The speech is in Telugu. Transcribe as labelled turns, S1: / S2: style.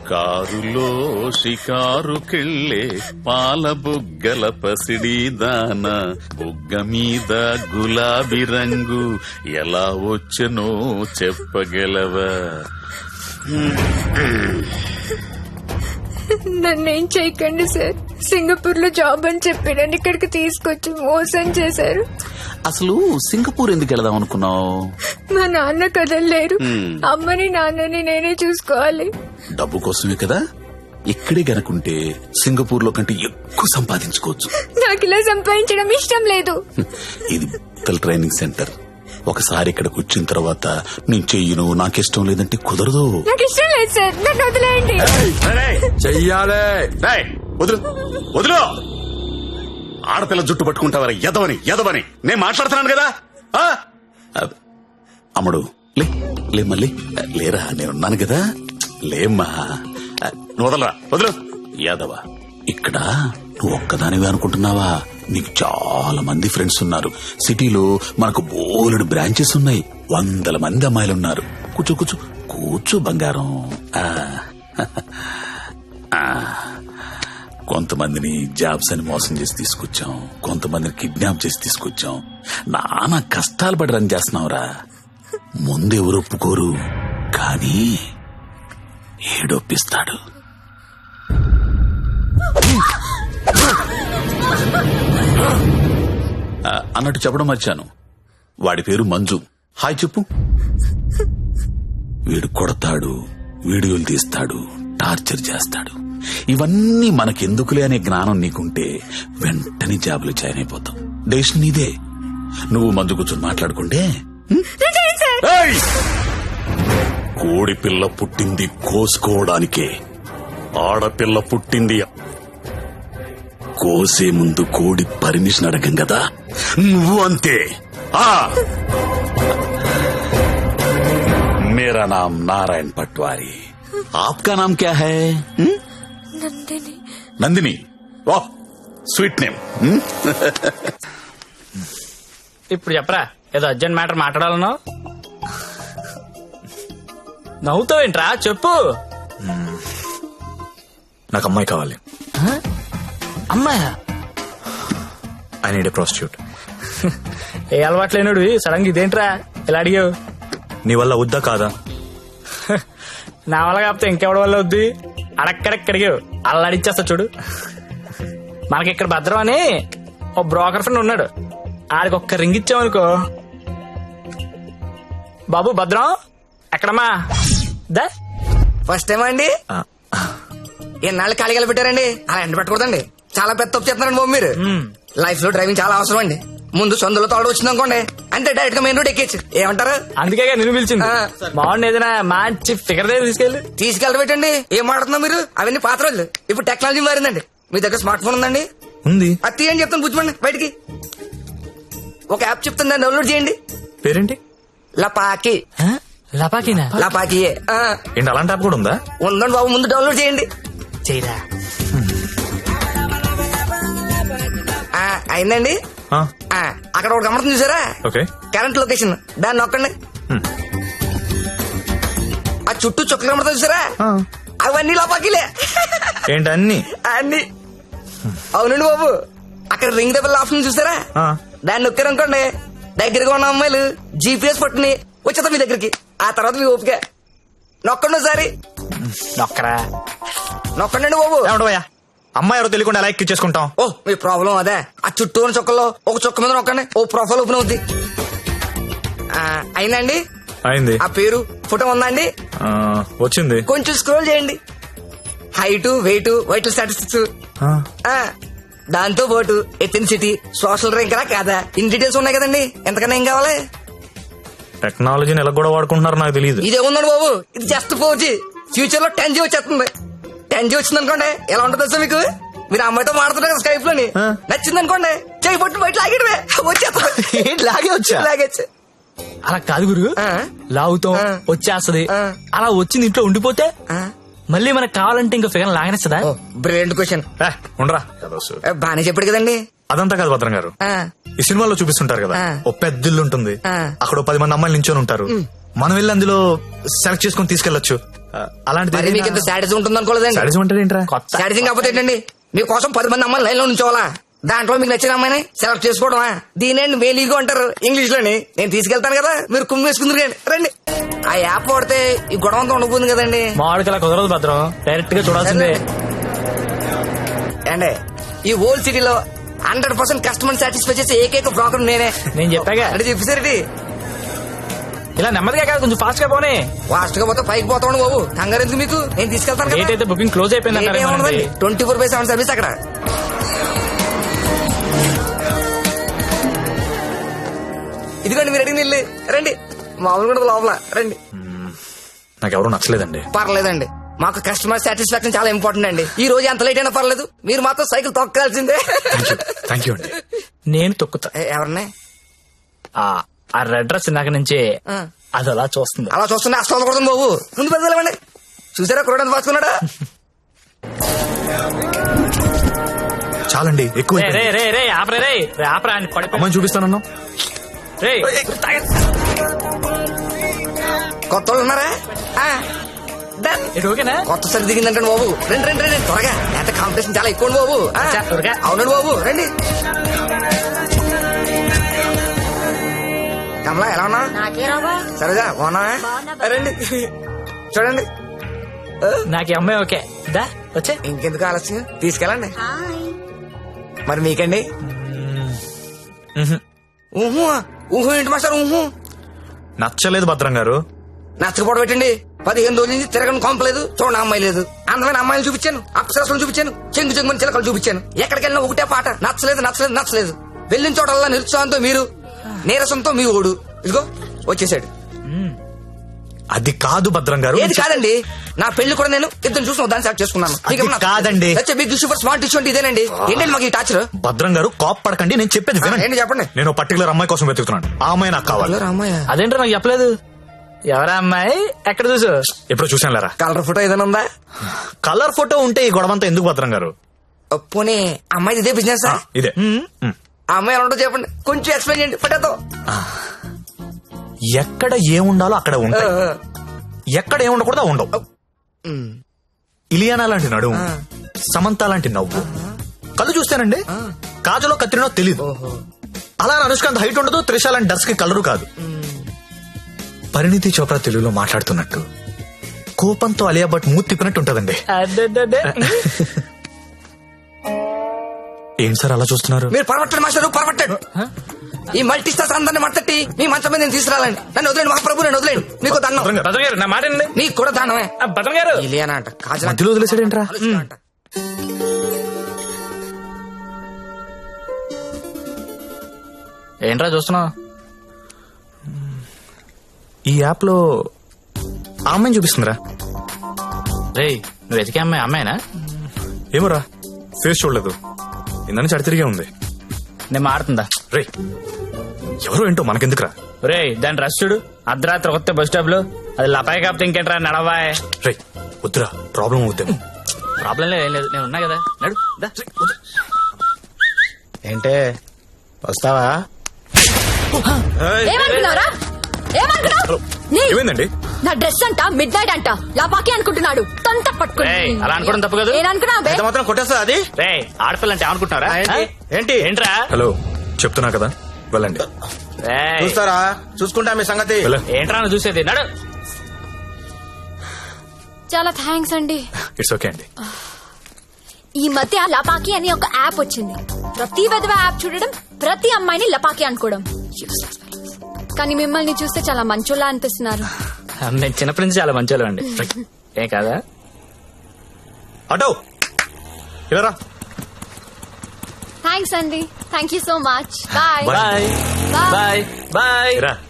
S1: కారులో షికారుకెళ్ళే పాల బుగ్గల పసిడి దాన బుగ్గ మీద గులాబీ రంగు ఎలా వచ్చనో చెప్పగలవా?
S2: నన్నేం చేయకండి సార్. సింగపూర్ లో జాబ్ అని చెప్పి నన్ను ఇక్కడికి తీసుకొచ్చి మోసం చేశారు.
S1: అసలు సింగపూర్ ఎందుకు వెళదాం అనుకున్నావు?
S2: మా నాన్న కదలలేరు. అమ్మని నాన్నని నేనే చూసుకోవాలి.
S1: డబ్బు కోసమే కదా. ఇక్కడే గనుకుంటే సింగపూర్ లో కంటే ఎక్కువ సంపాదించుకోవచ్చు.
S2: నాకు ఇలా సంపాదించడం ఇష్టం లేదు.
S1: ఇది ట్రైనింగ్ సెంటర్. ఒకసారి ఇక్కడికి వచ్చిన తర్వాత నేను చెయ్యను, నాకిష్టం లేదంటే కుదరదు.
S2: నాకు ఇష్టం లేదు సార్, నన్ను వదిలేయండి.
S3: చెయ్యాలే.
S1: వదులు వదులు. ఆడపిల్ల జుట్టు పట్టుకుంటావరా? ఎదవని ఎదవని నేను మాట్లాడుతున్నాను కదా. అమ్ముడు లే మళ్ళీ లేరా, నేనున్నాను కదా. లేమ్మా, వదలరా, వదులు. యాదవ, ఇక్కడ నువ్వు ఒక్కదానివే అనుకుంటున్నావా? నీకు చాలా మంది ఫ్రెండ్స్ ఉన్నారు. సిటీలో మనకు బోలెడు బ్రాంచెస్ ఉన్నాయి. 100 మంది అమ్మాయిలున్నారు. కూర్చో కూర్చో కూర్చో బంగారం. కొంతమందిని జాబ్స్ అని మోసం చేసి తీసుకొచ్చాం, కొంతమందిని కిడ్నాప్ చేసి తీసుకొచ్చాం. నానా కష్టాలు పడి రన్ చేస్తున్నావురా. ముందెవరు ఒప్పుకోరు, కానీ ఏడొప్పిస్తాడు. అన్నట్టు చెప్పడం మర్చాను, వాడి పేరు మంజు. హాయ్ చెప్పు. వీడు కొడతాడు, వీడియోలు తీస్తాడు, టార్చర్ చేస్తాడు. ఇవన్నీ మనకెందుకులే అనే జ్ఞానం నీకుంటే వెంటనే జాబులు జాయిన్ అయిపోతాం. డెసిషన్ నీదే. నువ్వు మంజు కూర్చొని మాట్లాడుకుంటే. కోడి పిల్ల పుట్టింది కోసుకోవడానికే, ఆడపిల్ల పుట్టింది కోసే ముందు కోడి పర్మిషన్ అడగం కదా. నువ్వు అంతే. मेरा नाम नारायण पटवारी, आपका नाम क्या है?
S2: నందిని.
S1: నందిని, వాహ్ స్వీట్ నేమ్.
S4: ఇప్పుడు చెప్పరా, ఏదో అర్జెంట్ మ్యాటర్ మాట్లాడాలనో. నవ్వుతావేంట్రా, చెప్పు.
S3: నాకు అమ్మాయి కావాలి.
S4: అమ్మాయా?
S3: I need a prostitute.
S4: ఏ అలవాట్లేనుడు సడన్ గా ఇదేంట్రా ఇలా అడిగావు?
S3: నీ వల్ల వద్దా కాదా?
S4: నా వల్ల కాకపోతే ఇంకెవడి వల్ల వద్దు. అడక్కడక్క అడిగావు, అలా అడిచేస్తా చూడు. మనకి ఇక్కడ భద్రం అని ఓ బ్రోకర్ ఫ్రెండ్ ఉన్నాడు. ఆడికి ఒక్క రింగ్ ఇచ్చామనుకో. బాబు భద్రం ఎక్కడమ్మా? దా
S5: ఫస్ట్ టైం అండి. ఎన్నాళ్ళు ఖాళీగా పెట్టారండి, అలా ఎండ పెట్టకూడదండి. చాలా పెద్ద తప్పు చేస్తున్నారండి బాబు మీరు. లైఫ్ లో డ్రైవింగ్ చాలా అవసరం అండి. ముందు సొందులో తోడు వచ్చింది అనుకోండి, అంతే డైరెక్ట్ గా మెయిన్ రోడ్ ఎక్కేచ్చు. ఏమంటారు?
S4: అందుకే నిన్ను పిలిచింది. బాగుంది, ఏదైనా మంచి ఫిగర్ దగ్గర
S5: తీసుకెళ్ళి పెట్టండి. ఏం మాట్లాడుతున్నా మీరు? అవన్నీ పాత రోజులు. ఇప్పుడు టెక్నాలజీ మారిందండి. మీ దగ్గర స్మార్ట్ ఫోన్ ఉందండి?
S3: ఉంది.
S5: అది తీయండి, చెప్తాను కూర్చోండి. బయటికి ఒక యాప్ చెప్తాను, దాన్ని డౌన్లోడ్ చేయండి.
S3: పేరేంటి?
S5: లపాకి.
S4: లపాకినా?
S5: లపాకియే.
S3: ఏంటి అలాంటి యాప్ కూడా ఉందా?
S5: ఉందండి బాబు, ముందు డౌన్లోడ్ చేయండి.
S4: చేయరా.
S5: అయిందండి. అక్కడ ఒక గమనం చూసారా?
S3: ఓకే.
S5: కరెంట్ లొకేషన్, దాన్ని నొక్కండి. ఆ చుట్టూ చుక్కలు కమడతా చూసారా? అవన్నీ లోపాకిలే.
S3: ఏంటి అన్ని?
S5: అన్ని. అవునండి బాబు, అక్కడ రింగ్ ద బెల్ ఆప్షన్ చూసారా? దాన్ని నొక్కారనుకోండి, దగ్గరగా ఉన్న అమ్మాయిలు జీపీఎస్ పట్టుని వచ్చేద్దాం మీ దగ్గరికి. ఆ తర్వాత మీ ఓపిక. నొక్కండి ఒకసారి.
S4: నొక్కరా.
S5: నొక్కండి బాబు.
S3: అమ్మాయి ఎవరో తెలియకుండా ఎలా ఎక్కించేసుకుంటాం?
S5: ఓ మీ ప్రాబ్లం అదే. ఆ చుట్టూ ఉన్న చుక్కల్లో ఒక చుక్క మీద నొక్కండి, ఓ ప్రొఫైల్ ఓపెన్ అవుద్ది. అయిందండి?
S3: అయింది.
S5: ఆ పేరు ఫోటో ఉందండి?
S3: వచ్చింది.
S5: కొంచెం స్క్రోల్ చేయండి. హైట్, వెయిట్, వైటల్ స్టాటిస్టిక్స్, దాంతో పాటు ఎథెన్సిటీ, సోషల్ ర్యాంక్ కాదా, ఇన్ డీటెయిల్స్ ఉన్నాయి కదండి. ఎంతకన్నా ఏం కావాలి?
S3: టెక్నాలజీని ఎలా కూడా వాడుకుంటున్నారు నాకు తెలియదు.
S5: ఇదే ఉందండి బాబు, ఇది జస్ట్ 4G. ఫ్యూచర్ లో 10G వచ్చేస్తుంది. 10G వచ్చింది అనుకోండి, ఎలా ఉంటుంది సార్ మీకు? మీరు అమ్మాయితో మాడుతున్నారు కదా స్కైప్ లోని, నచ్చింది అనుకోండి, చేయి పట్టు బయట లాగేటమే వచ్చేస్తుంది.
S3: లాగే వచ్చా?
S5: లాగేచ్చు.
S4: అలా కాదు గురు, లాగుతాం వచ్చేస్తది. అలా వచ్చింది ఇంట్లో ఉండిపోతే మళ్ళీ మనకు కావాలంటే ఇంకా ఫిగర్ లాగనేస్తుందా?
S5: Brilliant question.
S3: ఉండరా,
S5: బానే చెప్పాడు కదండి.
S3: అదంతా కాదు భద్రం గారు, ఈ సినిమాలో చూపిస్తుంటారు కదా, ఓ పెద్ద ఇల్లు ఉంటుంది, అక్కడ 10 మంది అమ్మాయిలు నించొని ఉంటారు. మనం వెళ్ళి అందులో సెలెక్ట్ చేసుకుని తీసుకెళ్లొచ్చు. అలాంటిది
S5: మరి మీకు ఇంత శాడిజం ఉంటుంది అనుకోలేదండి.
S3: శాడిజం అంటే ఏంట్రా?
S4: కొత్త
S5: శాడిజం కాకపోతే ఏంటండి, మీకోసం 10 మంది అమ్మాయిలు లైన్ లో ఉంచోవాలా? దాంట్లో మీకు నచ్చిన అమ్మాయిని సెలెక్ట్ చేసుకోవడమా? దీనేండి మేలీగో అంటారు ఇంగ్లీష్ లోని. నేను తీసుకెళ్తాను కదా, మీరు కుమ్మి వేసుకుందరు కానీ రండి. ఆ యాప్ వాడితే ఈ గొడవ అంతా ఉండబోతుంది కదండి.
S4: మామిడికి అలా కుదరదు భద్రం, డైరెక్ట్ గా చూడాల్సిందే.
S5: అండి ఈ ఓల్డ్ సిటీలో 100% కస్టమర్ సాటిస్ఫై చేసే ఏకైక బ్రోకర్ నేనే.
S4: నేను చెప్పాగా
S5: అంటే చెప్పేసరికి
S4: ఇలా నెమ్మదిగా కాదు, కొంచెం ఫాస్ట్ గా పోనీ.
S5: ఫాస్ట్ గా పోతే పైకి పోతాను బాబు. కంగారు ఎందుకు మీకు, నేను తీసుకెళ్తాను
S4: డేట్ అయితే బుకింగ్ క్లోజ్ అయిపోయింది అంటారు.
S5: 24/7 సర్వీస్ అక్కడ. ఇదిగోండి మీరు అడిగిన ఇల్లు. రండి, మామూలు కూడా లోపల రండి.
S3: నాకు ఎవరు నచ్చలేదండి.
S5: పర్లేదండి, మాకు కస్టమర్ సాటిస్ఫాక్షన్ చాలా ఇంపార్టెంట్ అండి. ఈ రోజు ఎంత లేట్ అయినా పర్లేదు, మీరు మాత్రం సైకిల్ తొక్కాల్సిందే.
S3: థ్యాంక్ యూ అండి.
S4: నేను తొక్కుతా.
S5: ఎవరిని?
S4: ఆ రెడ్ డ్రెస్ ఇందాక నుంచి అది అలా చూస్తుంది.
S5: అలా చూస్తుంటే అస్సలు కొడుతుంది బాబు. ముందు పెద్దలేమండి, చూసారా కురడానికి పాసుకున్నాడా?
S3: చాలండి, ఎక్కువ
S4: రే రే రే రే ఆపరే రే రే ఆపరా అని పడిపో.
S3: అమ్మాయిని చూపిస్తానన్నా.
S4: రే
S5: కొత్త వాళ్ళు ఉన్నారా? Done.
S4: ఇది ఓకేనా?
S5: కొత్త సరి దిగిందంటే బాబు. రండి రండి రండి త్వరగా, ఎంత కాంపిటీషన్ చాలా ఎక్కువ బాబు.
S4: త్వరగా.
S5: అవునండి బాబు, రండి. కమలా ఎలా ఉన్నా? సరేగా బాగున్నా? రండి చూడండి.
S4: నాకు ఈ అమ్మాయి ఓకే. దా వచ్చే.
S5: ఇంకెందుకు ఆలస్యం, తీసుకెళ్ళండి. మరి మీకండి? ఊహు ఊహు ఏంటి మాస్టర్? ఊహు
S3: నచ్చలేదు భద్రం గారు.
S5: నచ్చకపోవడం పెట్టండి. 15 రోజుల నుంచి తిరగని కొంపలేదు, చూడండి అమ్మాయి లేదు. అందమైన అమ్మాయిలు చూపించాను, అప్సరసలు చూపించాను, చెంగు చెంగుని చిలకలు చూపించాను. ఎక్కడికి వెళ్ళినా ఒకటే పాట, నచ్చలేదు నచ్చలేదు నచ్చలేదు. వెళ్ళిన చోటల్లా నిరుత్సాహంతో మీరు, నీరసంతో మీ ఓడు. ఇదిగో వచ్చేసాడు.
S3: అది కాదు భద్రం గారు.
S5: ఏది కాదండి, నా పెళ్లి కూడా నేను ఇద్దరు చూసిన దాన్ని సెలెక్ట్ చేసుకున్నాను.
S3: అది కాదండి.
S5: Big issue for smart issue అంటే ఇదేనండి. ఏంటండి మాకు ఈ టాచర్?
S3: భద్రం గారు కోప్ పడకండి, నేను చెప్పేది వినండి.
S5: ఏంటి చెప్పండి.
S3: నేను పర్టికులర్ అమ్మాయి కోసం వెతుకుతున్నాను. ఆ అమ్మాయి నాకు కావాలి.
S5: అమ్మాయి
S4: అదేంటో నాకు చెప్పలేదు. ఎవరా అమ్మాయి? ఎక్కడ చూసు?
S3: ఎప్పుడు చూసాను లేరా.
S5: కలర్ ఫోటో ఏదైనా ఉందా?
S3: కలర్ ఫోటో ఉంటే ఈ గొడవంతా ఎందుకు భద్రం గారు?
S5: పోనీ అమ్మాయి ఇదే బిజినెస్?
S3: ఇదే.
S5: ఆ అమ్మాయి ఎలా ఉంటుందో చెప్పండి, కొంచెం ఎక్స్ప్లెయిన్ చేయండి పట్టేతో.
S3: ఎక్కడ ఏముండాలో అక్కడ ఉంటాయి, ఎక్కడ ఏముండకూడదు ఉండవు. ఇలియానా లాంటి నడుము, సమంత లాంటి నవ్వు, కళ్ళు చూస్తానండి కాజలో కత్తిరినో తెలీదు. అలా అనుష్కాంత్ హైట్ ఉండదు, త్రిష లాంటి డర్స్ కి కలరు కాదు. పరిణితి చోప్రా తెలుగులో మాట్లాడుతున్నట్టు, కోపంతో అలియా భట్ మూతి తిప్పినట్టు ఉంటదండి. ఏం సార్ అలా చూస్తున్నారు?
S5: మీరు పరమట్టండి మాస్టర్, పరమట్టండి. ఈ మల్టీ స్టార్స్ అందరిని మట్టట్టి మీ మంచం మీద నేను తీసుకురాలండి. నన్ను వదిలేండి మహాప్రభు, నన్ను వదిలేండి. మీకు దండం.
S4: భద్రం గారు నా మాట వినండి.
S5: నీకు కూడా దానమే.
S4: భద్రం గారు
S5: ఇలియానా అంట, కాజల్
S3: మధ్యలో వదిలేసాడేంట్రా?
S5: అంట.
S4: ఏంట్రా చూస్తున్నావు?
S3: ఈ యాప్ లో ఆ అమ్మాయిని చూపిస్తుందిరా.
S4: రే నువ్వు వెతికే అమ్మాయి అమ్మాయినా?
S3: ఏమోరా, ఫేస్ చూడలేదు, ఇందని చడి తిరిగే ఉంది.
S4: నేను మాడుతుందా?
S3: రే ఎవరో ఏంటో మనకెందుకురా.
S4: రే దాని రష్ చూడు, అర్ధరాత్రి కొత్త బస్ స్టాప్ లో. అది లపాయి కాపుతే ఇంకేంట్రా నడవాయ్.
S3: రే వద్దురా, ప్రాబ్లం అవుద్దేమో.
S4: ప్రాబ్లం లేదు, ఏం లేదు, నేను ఉన్నా కదా. నడు దా.
S6: ఏంటే వస్తావా?
S2: ఏమనుకున్నారా? ఏమనుకున్నావు?
S3: ఏమైందండి?
S2: నా డ్రెస్ అంట మిడ్ నైట్ అంట లాపాకి అనుకుంటున్నాడు. తొంత పట్టుకుని
S4: రేయ్, అలా అనుకోవడం తప్పు కదా.
S2: నేననుకున్నా
S6: ఎంత మాత్రం కొట్టేస్తా అది?
S4: రే ఆడపిల్ల అంటే అనుకుంటున్నారా?
S6: ఏంటి?
S4: ఏంట్రా?
S3: హలో చెప్తున్నా కదా, వెళ్ళండి.
S4: రేయ్,
S6: చూస్తారా? చూసుకుంటా మీ సంగతి.
S4: ఏంట్రా నువ్వు చూసేది? నడు.
S2: చాలా థ్యాంక్స్ అండి.
S3: ఇట్స్ ఓకే అండి.
S2: ఈ మధ్య లపాకి అని ఒక యాప్ వచ్చింది. ప్రతి విధవ యాప్ చూడడం, ప్రతి అమ్మాయిని లపాకి అనుకోవడం. Useless fellows. కానీ మిమ్మల్ని చూస్తే చాలా మంచోళ్ళ అనిపిస్తున్నారు.
S4: నేను చిన్నప్పటి నుంచి చాలా మంచి అండి. ఏం కాదా?
S3: అటో ఇలా
S2: థ్యాంక్స్ అండి. Thank you so much. Bye
S3: Bye.
S4: Bye bye bye.
S3: రా.